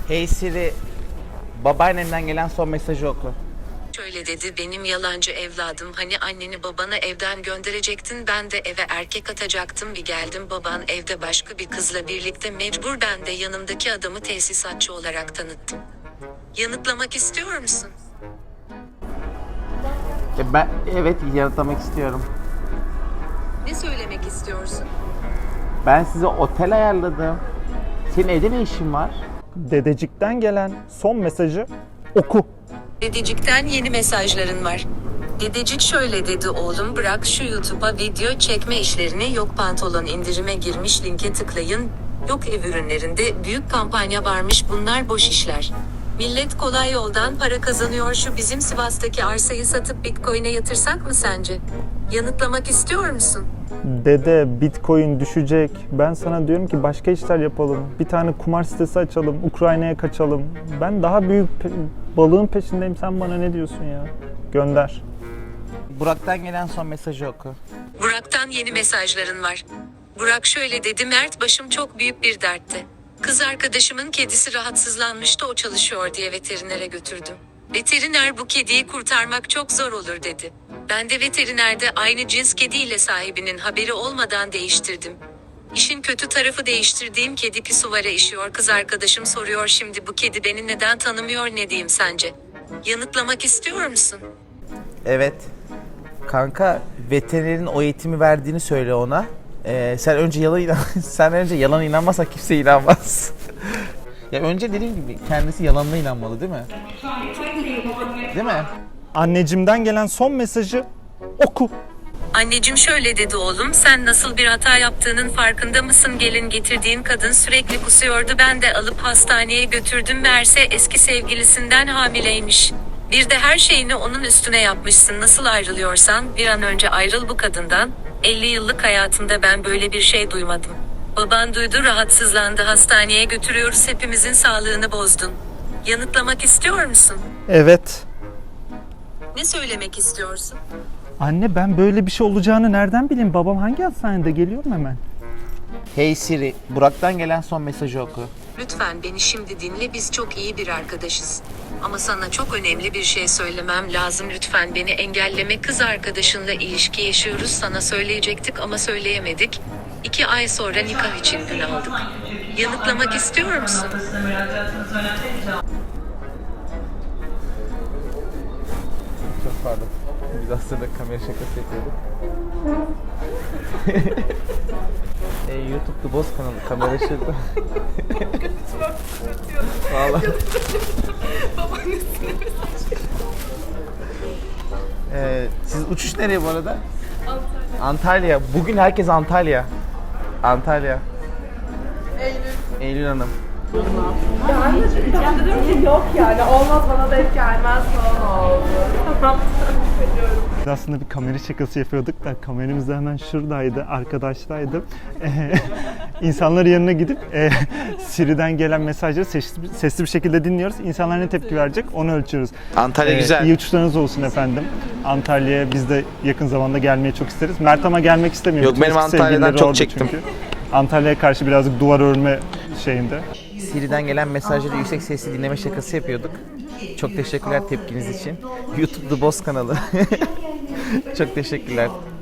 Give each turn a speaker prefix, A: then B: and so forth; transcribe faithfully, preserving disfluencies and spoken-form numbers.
A: Hey Siri, babaannemden gelen son mesajı oku.
B: Şöyle dedi, benim yalancı evladım, hani anneni babanı evden gönderecektin, ben de eve erkek atacaktım, bir geldim baban evde başka bir kızla birlikte, mecbur ben de yanımdaki adamı tesisatçı olarak tanıttım. Yanıtlamak istiyor musun?
A: E ben evet yanıtlamak istiyorum.
B: Ne söylemek istiyorsun?
A: Ben size otel ayarladım. Senin evde ne işin var?
C: Dedecikten gelen son mesajı oku.
B: Dedecik'ten yeni mesajların var. Dedecik şöyle dedi, oğlum bırak şu YouTube'a video çekme işlerini, yok pantolon indirime girmiş linke tıklayın, yok ev ürünlerinde büyük kampanya varmış, bunlar boş işler. Millet kolay yoldan para kazanıyor, şu bizim Sivas'taki arsayı satıp Bitcoin'e yatırsak mı sence? Yanıtlamak istiyor musun?
C: Dede, Bitcoin düşecek. Ben sana diyorum ki başka işler yapalım. Bir tane kumar sitesi açalım. Ukrayna'ya kaçalım. Ben daha büyük pe- balığın peşindeyim. Sen bana ne diyorsun ya? Gönder.
A: Burak'tan gelen son mesajı oku.
B: Burak'tan yeni mesajların var. Burak şöyle dedi, Mert başım çok büyük bir dertte. Kız arkadaşımın kedisi rahatsızlanmıştı, o çalışıyor diye veterinere götürdüm. Veteriner bu kediyi kurtarmak çok zor olur dedi. Ben de veterinerde aynı cins kediyle sahibinin haberi olmadan değiştirdim. İşin kötü tarafı, değiştirdiğim kedi pisuvara işiyor, kız arkadaşım soruyor şimdi bu kedi beni neden tanımıyor, ne diyeyim sence? Yanıtlamak istiyor musun?
A: Evet. Kanka veterinerin o eğitimi verdiğini söyle ona. Ee, sen önce yalan inan sen önce yalan inanmazsan kimse inanmaz. Ya önce dediğim gibi kendisi yalanına inanmalı değil mi? Değil mi?
C: Annecimden gelen son mesajı oku.
B: Anneciğim şöyle dedi, oğlum sen nasıl bir hata yaptığının farkında mısın? Gelin getirdiğin kadın sürekli kusuyordu, ben de alıp hastaneye götürdüm, meğerse eski sevgilisinden hamileymiş. Bir de her şeyini onun üstüne yapmışsın, nasıl ayrılıyorsan bir an önce ayrıl bu kadından. elli yıllık hayatımda ben böyle bir şey duymadım. Baban duydu, rahatsızlandı, hastaneye götürüyoruz, hepimizin sağlığını bozdun. Yanıtlamak istiyor musun?
C: Evet.
B: Ne söylemek istiyorsun?
C: Anne, ben böyle bir şey olacağını nereden bileyim? Babam hangi hastanede? Geliyorum hemen.
A: Hey Siri, Burak'tan gelen son mesajı oku.
B: Lütfen beni şimdi dinle, biz çok iyi bir arkadaşız. Ama sana çok önemli bir şey söylemem lazım, lütfen beni engelleme, kız arkadaşınla ilişki yaşıyoruz, sana söyleyecektik ama söyleyemedik. İki ay sonra nikah için gün aldık. Yanıtlamak istiyor musun?
A: Çok pardon. Biz aslında kamera şakası yapıyorduk. e, YouTube'da boz kanalı kamera şurada. Valla.
D: Babaannesine mesaj.
A: Ee, siz uçuş nereye bu arada? Antalya. Antalya. Bugün herkes Antalya. Antalya.
D: Eylül.
A: Eylül Hanım.
D: Ben de, ben de dedim ki yok yani olmaz, bana denk gelmez falan oldu. Tamam, biliyorum.
C: Biz aslında bir kamera şakası yapıyorduk da kameramız da hemen şuradaydı, arkadaştaydı. Ee, İnsanların yanına gidip e, Siri'den gelen mesajları sesli, sesli bir şekilde dinliyoruz. İnsanlar ne tepki verecek onu ölçüyoruz.
A: Antalya
C: Ee,
A: güzel.
C: İyi uçuşlarınız olsun efendim. Antalya'ya biz de yakın zamanda gelmeyi çok isteriz. Mert ama gelmek istemiyor.
A: Yok,
C: Bütün
A: benim
C: eski
A: Antalya'dan
C: sevgilileri
A: çok
C: orada
A: çektim.
C: çünkü. Antalya'ya karşı birazcık duvar örme şeyinde.
A: Siri'den gelen mesajları yüksek sesli dinleme şakası yapıyorduk. Çok teşekkürler tepkiniz için. YouTube The Boss kanalı. Çok teşekkürler.